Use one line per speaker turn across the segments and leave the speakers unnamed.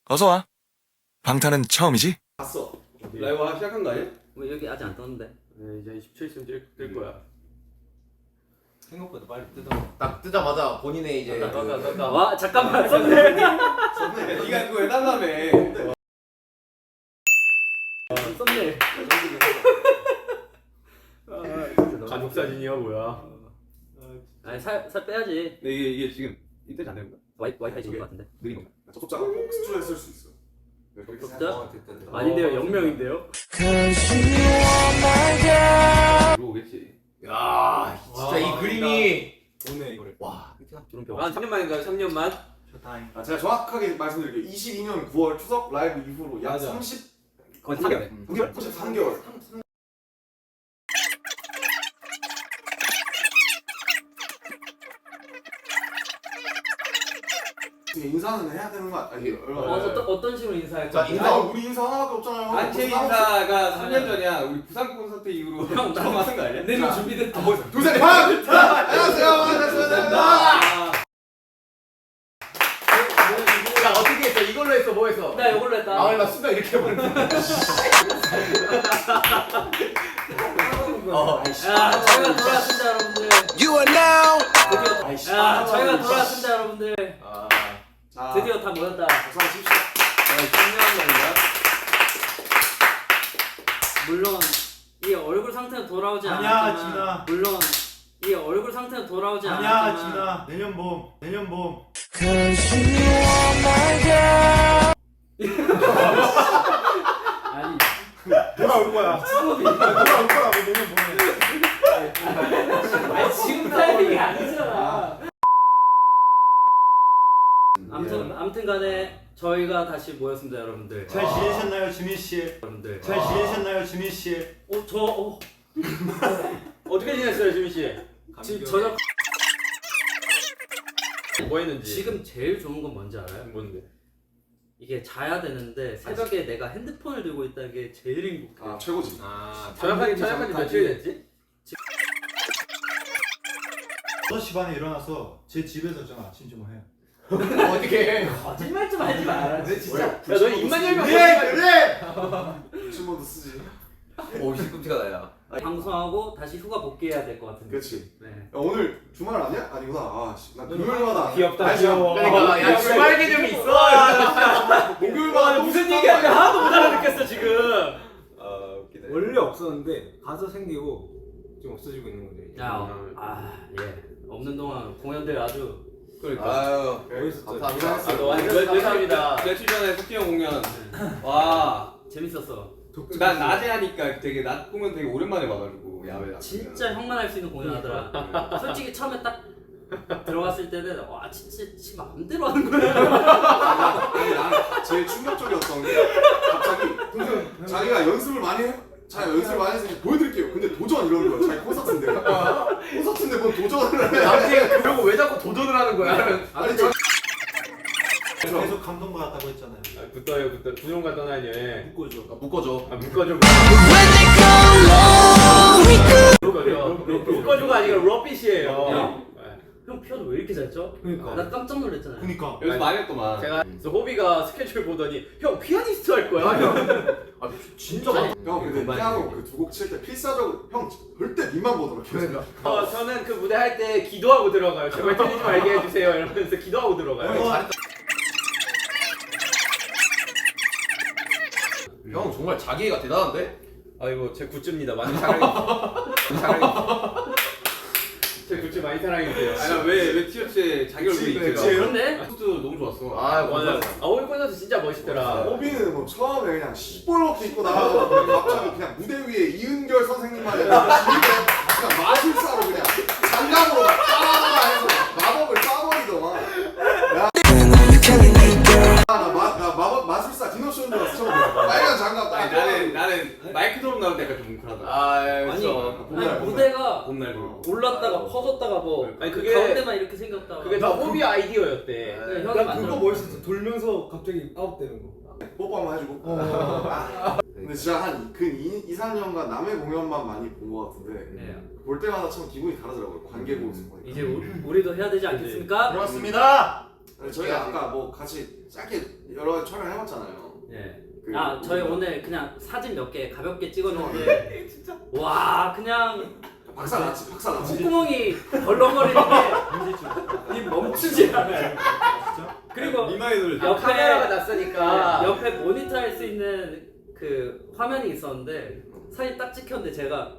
어서와. 방탄은 처음이지?
봤어. 라이브 시작한 거 아니야?
뭐 여기 아직 안 떴는데.
네, 이제 27쯤 뜰 거야.
생각보다 빨리 뜯어.
딱 뜨자마자 본인의 이제
와 잠깐만 썼네.
네가 그거 해달라며.
썼네.
가족 사진이야 뭐야?
아니 살 빼야지.
네, 이게 지금 이때 안 되는 거야?
와이파이 좋을 것 같은데.
느린 건가?
접속자가 복수에 쓸 수 있어.
진짜? 아닌데요, 0명인데요.
들어오겠지.
야 진짜 이 그림이
오네 이거를.
와
주름표.
3년 만인가요? 3년만?
아, 제가 정확하게 말씀드릴게요. 22년 9월 추석 라이브 이후로 약
맞아.
30
거의 3개월.
33개월. 인사는 해야 되는 거 아니에요?
어떤 식으로 인사할까?
자, 인사.
우리 인사 하나밖에 없잖아요.
단체 인사가 3년 전이야. 우리 부산 콘서트 이후로 형 처음 하는 거 아니야?
내년 준비됐다.
두세 판! 안녕하세요. 반갑습니다.
야 어떻게 했어? 이걸로 했어? 뭐 했어?
나 이걸로 했다.
나 순간 이렇게 해버렸네.
야, 저희가 돌아왔습니다, 여러분들.
You are now.
드디어. 야, 저희가 돌아왔습니다, 여러분들.
자,
드디어 다 모였다.
어서오십시오.
물론 이 얼굴 상태는 돌아오지
아니야,
않았지만.
진아.
물론 이 얼굴 상태는 돌아오지
아니야
않았지만.
진아 내년 봄
아니,
돌아올 거야 돌아올 거라고 내년 봄에
아니 지금 타이밍이 아니잖아. 아무튼 간에 저희가 다시 모였습니다, 여러분들.
잘 지내셨나요 지민씨?
여러분들.
잘 지내셨나요 지민씨?
어떻게 지냈어요, 지민 씨?
지금 저녁
뭐 했는지.
지금 제일 좋은 건 뭔지 알아요?
뭔데?
이게 자야 되는데 새벽에 내가 핸드폰을 들고 있다는 게 제일 행복해.
아, 최고지.
저녁까지 며칠 됐지?
6시 반에 일어나서 제 집에서 좀 아침 좀 해요.
어떻게 해?
거짓말 좀 하지 마라. 진짜.
야, 너 입만 열면
그래!
친구도 쓰지.
오 시금치가 나야.
방송하고 다시 휴가 복귀해야 될 것 같은데.
그렇지.
네.
야, 오늘 주말 아니야? 아니구나. 아, 씨, 나 금요일마다.
귀엽다, 귀여워.
그러니까 야 주말 개념이 있어.
목요일마다
무슨 얘기하는지 하나도 못 알아듣겠어 지금.
웃기네.
원래 없었는데 가서 생기고 지금 없어지고 있는 거죠.
예. 없는 동안 공연들 아주.
그러니까.
아유
멋있었죠.
감사합니다.
너 완전 감사합니다. 며칠 전에 토끼 형 공연. 와.
재밌었어.
난 낮에 하니까 되게 낮 공연 되게 오랜만에 봐가지고 야외 낮.
진짜 형만 할 수 있는 공연하더라. 솔직히 처음에 딱 들어갔을 때는 와 진짜 지 마음대로 하는 거야.
아니, 나는 제일 충격적이었던 게 갑자기 자기가 연습을 많이 해. 자기가 연습을 많이 해서 이제 보여드릴게요. 근데 도전 이러는 거야. 자기 콘서트인데. 콘서트인데 뭔 도전을 해.
남자가 그러고 왜 자꾸 도전을 하는 거야?
아니, 자기
계속 감동받았다고 했잖아요.
붙어요. 부정과 떠나는 여행.
묶어줘.
묶어줘.
묶어줘. 묶어줘가 아니라 러빗이에요.
형 피아노 왜 이렇게 잘 쳐?
그러니까.
나 깜짝 놀랐잖아요.
그니까.
여기서 많이 했더만. 제가 그래서 호비가 스케줄 보더니 형 피아니스트 할 거야.
아 진짜 많아.
형 근데 피아노 그 두 곡 칠 때 필사적으로 형 절대 니만 보더라.
그러니까.
저는 그 무대 할 때 기도하고 들어가요. 제발 틀리지 말게 해주세요. 이러면서 기도하고 들어가요.
형 정말 자기애가 대단한데?
아이고 제 굿즈입니다. 많이 사랑해주세요. 제 굿즈 많이 사랑해주세요. 아니 왜 티셔츠에 자기 얼굴이 있죠?
그런데
굿즈 너무 좋았어.
아
맞아. 호비 콘서트 진짜 멋있더라.
호비는 뭐 처음에 그냥 시뻘겋게 입고 나가서 갑자기 그냥 무대 위에 이은결 선생님만 그냥 마술사로 그냥 장갑으로 막 따라다가 해서 마법을 쏴버리더만. 나 마법 마술사 디노쇼인 줄 알았어 처음에. 빨간 장갑 딱.
나는 마이크 드롭 나올 때 약간 좀 뭉클하다.
아니 무대가
봄날
올랐다가 퍼졌다가 뭐
아니, 그게-
가운데만 이렇게 생겼다가
그게 다 호비 아이디어였대.
네, 형이
나 그거
만들어.
멋있었어. 돌면서 갑자기 아웃되는 거.
뽀뽀 한번 해주고. 근데 진짜 한 근 2, 3년간 남의 공연만 많이 본 것 같은데
네.
볼 때마다 참 기분이 다르더라고요. 관객으로서 보니까.
이제 우리도 해야 되지 않겠습니까?
그렇습니다.
저희가 아까 뭐 같이 짧게 여러 가지 촬영 해봤잖아요.
예.
그
저희 오늘 그냥 사진 몇 개 가볍게 찍었는데 와 그냥
박사같이
콧구멍이 덜렁거리는데 이 멈추지 않아요. 그리고
미마이돌
아, 카메라가
옆에
낯서니까.
옆에 모니터 할 수 있는 그 화면이 있었는데 사진 딱 찍혔는데 제가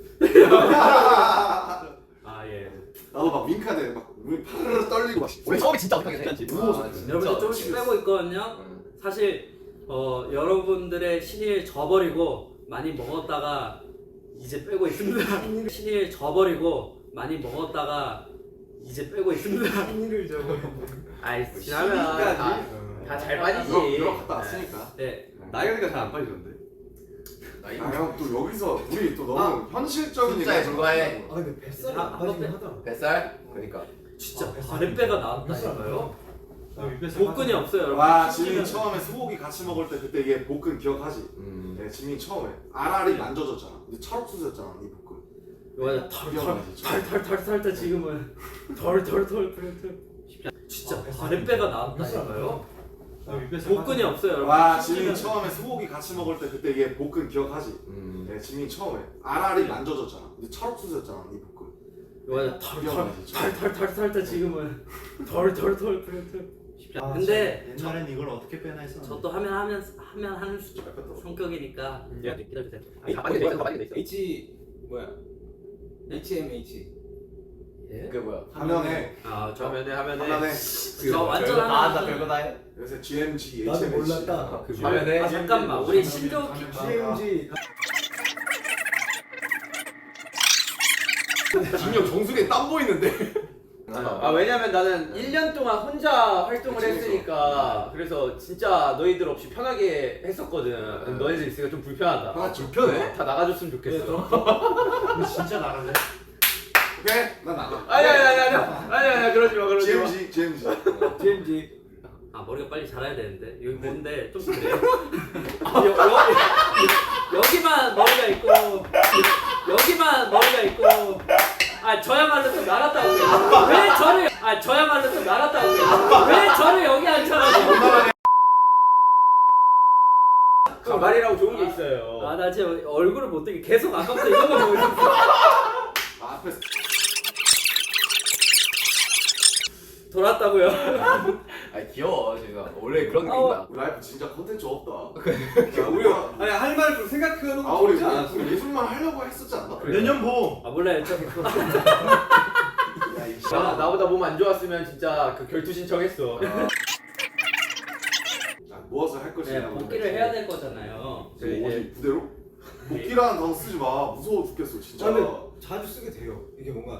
아 예.
나도 막 윙크하는데 막 눈이 파르르 떨리고 막
우리 처음에 진짜 어떻게 생각했지?
여러분들 조금씩 빼고 있거든요. 사실 여러분들의 신의를 저버리고 많이 먹었다가 이제 빼고 있습니다. 신의를 저버리고 많이 먹었다가 이제 빼고 있습니다.
신의를 저버리고
아이 지나면 다 잘 빠지지.
유럽 갔다 왔으니까.
네.
나이가 잘 안 빠지던데.
형 또 여기서 우리 또 너무 현실적인
숫자에
얘기를
불과해.
하고
아 근데 뱃살이
아,
안 빠지긴
아,
하더라.
뱃살? 그러니까.
진짜 아랫배가 나왔다니까요. 복근이 없어요 여러분.
와 지민이 처음에 소고기 같이 먹을 때 그때 얘 복근 기억하지? 네, 지민이 처음에 알알이 만져졌잖아. 근데 찰옥수수였잖아 네 복근.
이거 털털털털털 지금은 털털털털 진짜 아랫배가 나왔다니까요. 복근이 없어요 여러분.
와 지민이 처음에 소고기 같이 먹을 때 그때 얘 복근 기억하지? 네, 지민이 처음에 알알이 만져졌잖아. 근데 찰옥수수였잖아 네 복근.
이거 털털털털 지금은 털털털털 근데
옛날엔 이걸 어떻게 빼나 했었는데.
저도 하면 하는 성격이니까 기다려주세요.
H 뭐야? HMH.
그 뭐야?
화면에
아저
화면에
저 완전 하나.
별거 다 해.
요새 GMG,
나도
HMC
몰랐다.
그
화면에.
아 잠깐만 우리 신조
CMG.
진영 정수리에 땀 보이는데.
아 왜냐면 나는 1년 동안 혼자 활동을
그치,
했으니까 그래서 진짜 너희들 없이 편하게 했었거든. 너희들 있으니까 좀 불편하다.
아 불편해?
다 나가줬으면 좋겠어.
우리 진짜 나갈래?
오케이 난 나가.
아니야 그러지 마 그러지 마.
GMG.
CMG.
아 머리가 빨리 자라야 되는데 여기 뭔데 좀 그래요? 여기만 머리가 있고 여기만 머리가 있고 아 저야말로 좀 나갔다 오게 왜 저를 아 저야말로 좀 나갔다 오게 왜 저를 여기 앉혀가지고
가발이라고 좋은 게 있어요.
아 나 지금 얼굴을 못 뜨게 계속 아까부터 이거만 보고 있었어.
앞에서
돌았다고요?
아 귀여워 제가 원래 그런 게 있다.
우리 라이프 진짜 컨텐츠 없다.
야, 우리가 아니 할 말을 좀 생각해놓고
아 우리
보지 않았어?
우리 예술만 하려고 했었지 않나?
내년 봄.
아 몰라요 저
나보다 몸 안 좋았으면 진짜 그 결투 신청했어.
모아서 할 것이냐.
네, 복귀를 해야 될 거잖아요.
저 어디 부대로? 복귀라는 단어 쓰지 마. 무서워 죽겠어 진짜.
아, 근데 자주 쓰게 돼요. 이게 뭔가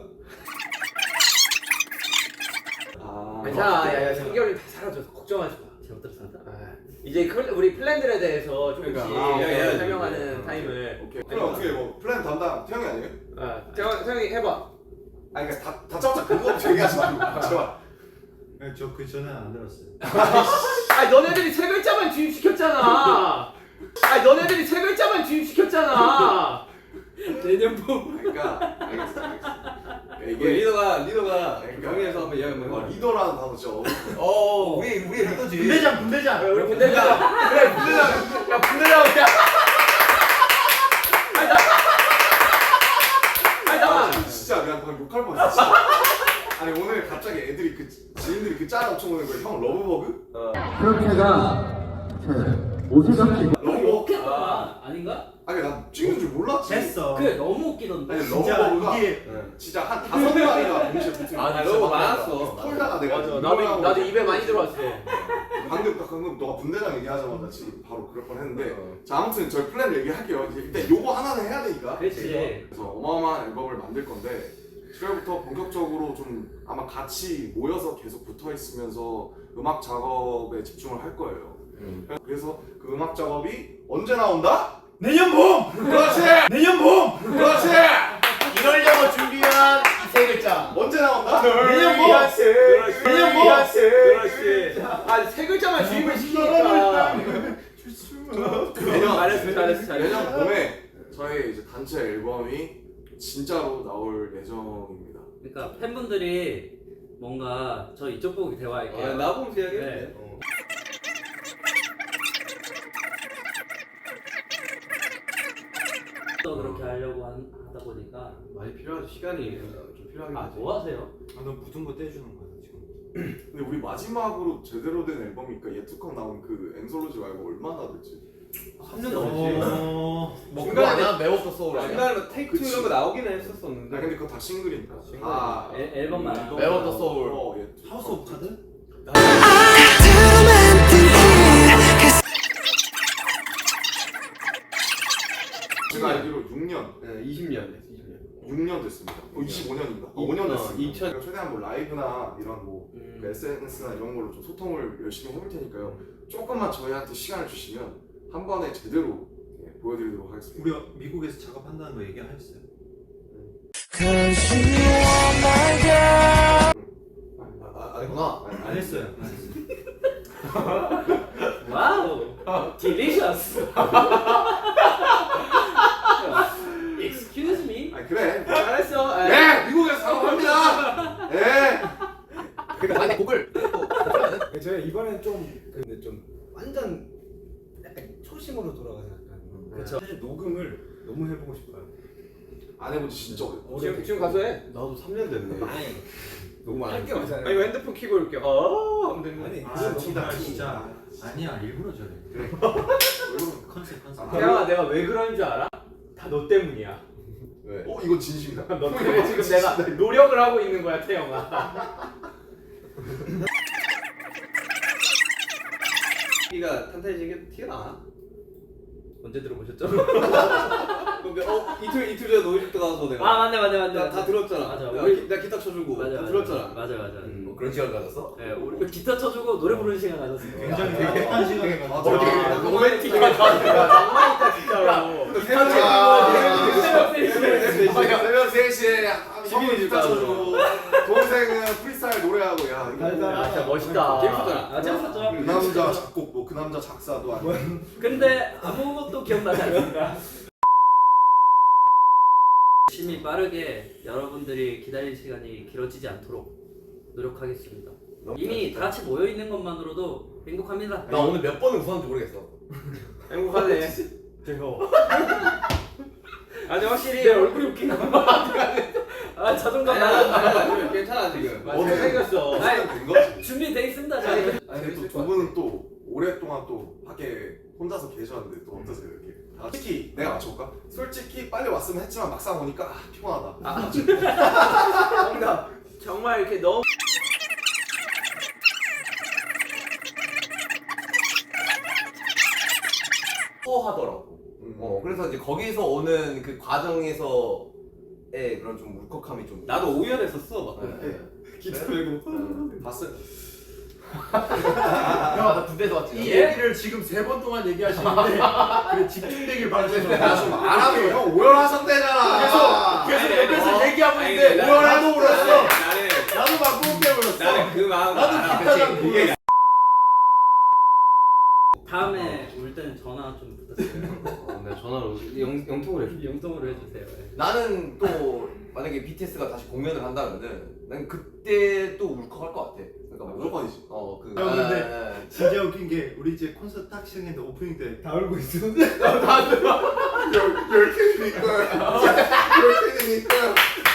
괜찮아. 야 3개월이 다 사라져서 걱정하지 마.
잘못 들었습니다.
이제 우리 플랜들에 대해서 조금씩
그러니까,
설명하는 타임을.
오케이. 그럼 어떻게 뭐 플랜 담당 태영이 아니에요?
태영이 해봐.
아니 그러니까 다짜고짜 그거부터 얘기하지 말고 제발.
네, 저 그 전에 안 들었어요.
아 너네들이 세 글자만 주입시켰잖아. 아 너네들이 세 글자만 주입시켰잖아.
내년 봄.
그러니까 알겠어. 그러니까 이게
리더가
그러니까
정리해서 한번 이야기 한번 해봐.
리더라는 단어 진짜
우리의 리더지.
분대장.
우리 분대장. 그래 분대장. 야 분대장.
진짜 내가 방금 욕할 뻔했어. 진짜. 아니 오늘 갑자기 애들이 그 지인들이 그 짤 엄청 오는 거야. 형 러브버그? 러브버그?
아닌가?
아니 나 찍는 줄 몰랐지.
됐어.
그래 너무 웃기던데.
아니
진짜
러브버그가
이게
진짜 한 5마리가 동시에 붙은
아, 나
진짜
러브
막
많았어.
털다가 내가
맞아.
이거라고
나도 입에 많이 들어왔어.
방금 너가 분대장 얘기하자마자 지금 바로 그럴 뻔했는데 자 아무튼 저희 플랜 얘기할게요. 이제 일단 요거 하나는 해야 되니까.
그렇지.
그래서 어마어마한 앨범을 만들 건데 7월부터 본격적으로 좀 아마 같이 모여서 계속 붙어 있으면서 음악 작업에 집중을 할 거예요. 그래서 그 음악 작업이 언제 나온다?
내년 봄.
그렇지!
내년 봄.
그렇지!
이러려고 준비한 이 세 글자.
언제 나온다?
내년 봄.
내년 봄. 그렇지. 아세 글자만 주입을 시키니까. 잘했어.
내년 봄에 저희 이제 단체 앨범이 진짜로 나올 예정입니다.
그러니까 팬분들이 뭔가 저 이쪽 보고 대화할게요.
나 보면 돼야겠네.
네. 또 그렇게 하려고 하다 보니까
많이 필요하죠. 시간이 좀 필요하긴 하지.
뭐 하세요?
너 묻은 거 떼주는 거야 지금.
근데 우리 마지막으로 제대로 된 앨범이니까 예투컴 나온 그 앵솔로지 말고 얼마나 됐지?
3년 넘었지.
뭐 그거 아니야? 메워서 소울 아니야?
중간에 테이크 투
그치.
이런 거 나오긴
아
했었었는데.
근데 그거 다 싱글이니까. 다
앨범만.
메워 더 소울.
예투컴.
하우스 오브 카드?
제가 알기로 6년.
네, 20년.
6년 됐습니다. 25년인가? 5년 됐습니다. 제가 최대한 뭐 라이브나 이런 뭐 SNS나 이런 걸로 좀 소통을 열심히 해볼 테니까요. 조금만 저희한테 시간을 주시면 한 번에 제대로 보여드리도록 하겠습니다.
우리가 미국에서 작업한다는 거 얘기 안 했어요?
아니구나.
안 했어요.
와우, 딜리셔스. Excuse me.
아 그래.
잘했어.
네, 미국에서 작업합니다. 네.
아니 곡을
제가 이번엔 좀 근데 좀 완전 약간 초심으로 돌아가서 약간
그쵸.
사실 녹음을 너무 해보고 싶어요.
안 해본 지 진짜 오래.
지금 가서 해.
나도 3년 됐네.
아니
너무 많이.
할게 많잖아요.
아 이거 핸드폰 키고 이렇게 하면 되는
아니
아
그건 너무
진짜
많지.
진짜 아니야 일부러 저래.
그래.
컨셉.
태양아 내가 왜 그러는 줄 알아? 다 너 때문이야.
왜?
이건 진심이다.
너 때문에 지금 내가 노력을 하고 있는 거야 태영아. 키가 탄탄해지게 티가 나.
언제 들어보셨죠?
근데 이틀 전에 노이즈도 가서 내가
아 맞네.
다 들었잖아.
맞아.
내가 기타 쳐주고
맞아.
들었잖아.
맞아.
뭐 그런 시간 가졌어?
네, 우리 기타 쳐주고 노래 부르는 시간 가졌어요.
굉장히 행복한 시간에
아,
가지고.
되게
로맨틱하다. 낭만 있다 진짜로.
새벽 3시에
시민이
기타 쳐주고 동생은 프리스타일 노래하고 야 이거
아 진짜 멋있다.
재밌었잖아. 아 재밌었죠.
그 남자 작곡 뭐 그 남자 작사도 아니고
근데 아무것도 기억나지 않습니다. 열심히 빠르게 여러분들이 기다릴 시간이 길어지지 않도록 노력하겠습니다. 이미 다 같이 모여 있는 것만으로도 행복합니다.
나 오늘 몇 번을 웃었는지 모르겠어.
행복하네.
즐거워.
아니 확실히
내 얼굴이 웃긴 거 아 자존감 나가.
괜찮아 지금.
어떻게
생겼어.
된 거지?
준비돼 있습니다. 저희.
아니 또 두 분은 또 오랫동안 또 밖에 혼자서 계셨는데 또 어떠세요 이렇게? 솔직히 내가 맞춰볼까? 솔직히 빨리 왔으면 했지만 막상 오니까 피곤하다.
정답. 정말 이렇게 너무
하더라고. 그래서 이제 거기서 오는 그 과정에서의 그런 좀 울컥함이 좀.
나도 오열했었어 막.
네.
기타 메고.
봤어요?
형, 나 군대에서 왔지.
이 얘기를 지금 3번 동안 얘기하시는데 그래 집중되길 바라면서
좀 알아서 형 오열하셨대잖아.
계속 옆에서 얘기하고 있는데
나는
오열하고 울었어.
나도 막 뿜게 울었어.
나는 그 마음.
나도 기타가
이게
다음에 올 때는 전화 좀 부탁드려요.
내 전화로 영통을 해줘.
영통으로 해주세요. 네.
나는 또 만약에 BTS가 다시 공연을 한다면은 난 그때 또 울컥할 것 같아. 그러니까
무조건이지.
그.
형, 근데 진짜 웃긴 게 우리 이제 콘서트 딱 시작했는데 오프닝 때 다 울고 있었는데
10캔이니까 10캔이니까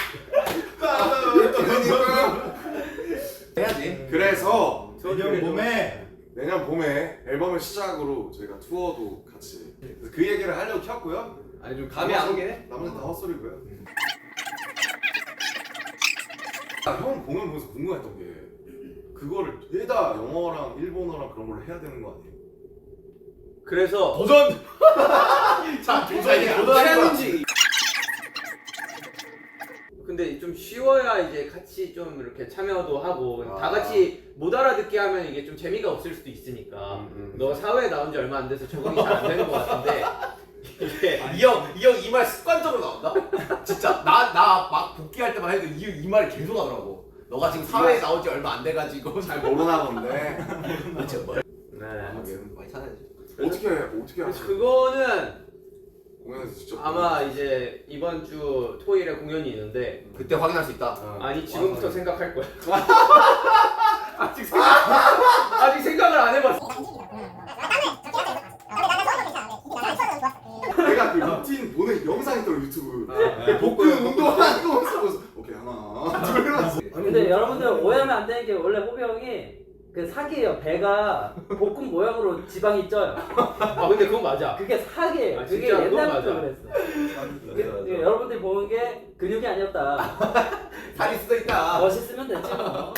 해야지.
그래서
내년 봄에
내년 봄에 앨범을 시작으로 저희가 투어도 같이 그래서 그 얘기를 하려고 켰고요.
아니 좀 감이 안 오긴 해.
나머지는 다 헛소리고요. 형 공연 보면서 궁금했던 게 그거를 죄다 영어랑 일본어랑 그런 걸로 해야 되는 거 아니에요?
그래서
도전. 자, 도전이 도전하는
챌린지. 근데 좀 쉬워야 이제 같이 좀 이렇게 참여도 하고 다 같이 못 알아듣게 하면 이게 좀 재미가 없을 수도 있으니까. 너가 사회에 나온 지 얼마 안 돼서 적응이 잘 안 되는 것 같은데 이게
이 말 습관적으로 나온다? 진짜 나 막 복귀할 때만 해도 이 말이 계속 나더라고. 너가 지금 사회에 나온 지 얼마 안 돼가지고
잘 모르나 본데.
도대체 뭘?
네.
많이 찾아야지.
어떻게
그래서
하세요?
그거는
공연에서 직접
아마 이제 이번 주 토요일에 공연이 있는데
그때 확인할 수 있다.
아니 지금부터 생각할 거야. 아직 생각을 안 해봤어.
내가 그 루틴 보는 영상 있더라고 유튜브. 복근 운동하는 거 보면서 오케이 하나 둘
근데 여러분들 오해하면 안 되는 게 원래 호비 형이 그 사기예요. 배가 복근 모양으로 지방이 쪄요.
아 근데 그건 맞아.
그게 사기예요.
아,
그게
진짜 그건
옛날부터
맞아.
그랬어. 여러분들이 보는 게 근육이 아니었다.
살이 수도 있다.
멋있으면 되지 뭐.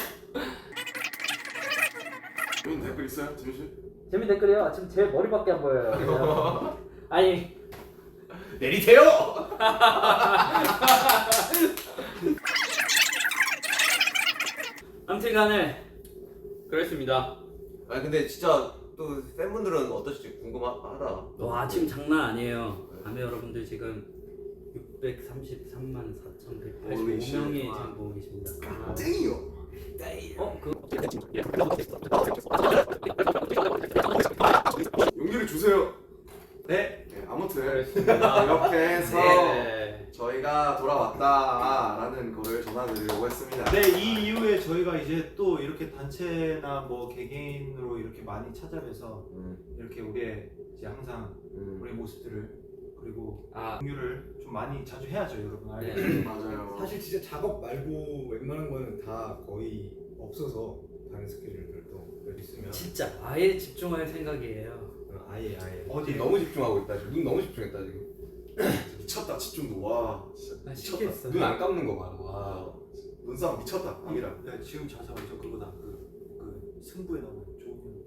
재밌는 댓글 있어요? 재민 씨?
재민 댓글이요. 지금 제 머리밖에 안 보여요. 아니
내리세요.
아무튼간에
그렇습니다.
아니 근데 진짜 또 팬분들은 어떠실지 궁금하다.
와 지금 장난 아니에요. 아메 여러분들 지금 633만 4,185명이 지금 보고 계십니다.
땡이요.
어? 그
용기를 주세요.
네.
네, 아무튼
그렇습니다.
이렇게 해서
네.
저희가 돌아왔다라는 거를 전화드리려고 했습니다.
네, 이 이후에 저희가 이제 또 이렇게 단체나 뭐 개개인으로 이렇게 많이 찾아뵈서 이렇게 우리의 이제 항상 우리의 모습들을 그리고 공유를 좀 많이 자주 해야죠, 여러분. 알겠죠?
맞아요.
사실 진짜 작업 말고 웬만한 거는 다 거의 없어서 다른 스케줄들도 몇 있으면
진짜 아예 집중할 생각이에요.
아예
어디
너무 집중하고 있다. 지금. 눈 너무 집중했다 지금.
미쳤다 집중도 와. 진짜
나
미쳤다.
시켰어.
눈 안 감는 거 봐. 와.
눈싸움 미쳤다. 아미랑.
야, 지금 자세가 저 그거다. 그 승부에 나오는 조금.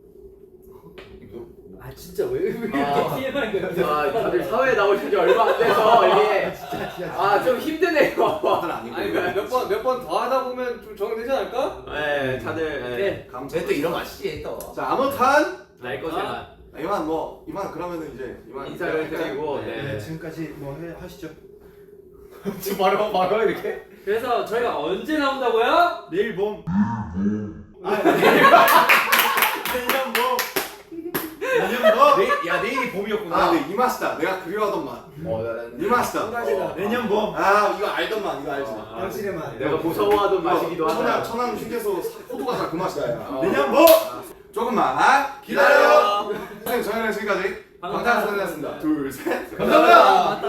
아 진짜 왜 이렇게
아.
TMI 거야?
아 다들 사회에 나오신 지 얼마 안 돼서 이게 아 좀 힘드네요.
다들 아니고.
아니 몇 번 더 하다 보면 좀 적응되지 않을까?
네 다들
네.
쟤또 이런 맛이지 또.
자 아무튼
날 것에만
이만 그러면은 이제 이만
인사를 드리고
네,
네.
지금까지 뭐 하시죠.
지금 바로 이렇게.
그래서 저희가 언제 나온다고요?
내일 봄.
야 내일이 봄이었구나.
아, 네, 이 맛이다. 내가 그리워하던 맛. 이 맛이다.
내년 봄.
아, 이거 알던 맛. 이거 알지.
당신의 말.
내가 무서워하던 맛이기도 하다.
천안 휴게소 호두과자 그 맛이다. 야.
내년 봄.
조금만 기다려. 선생님 저희는 지금까지 방탄소년단이었습니다. 둘, 셋.
감사합니다.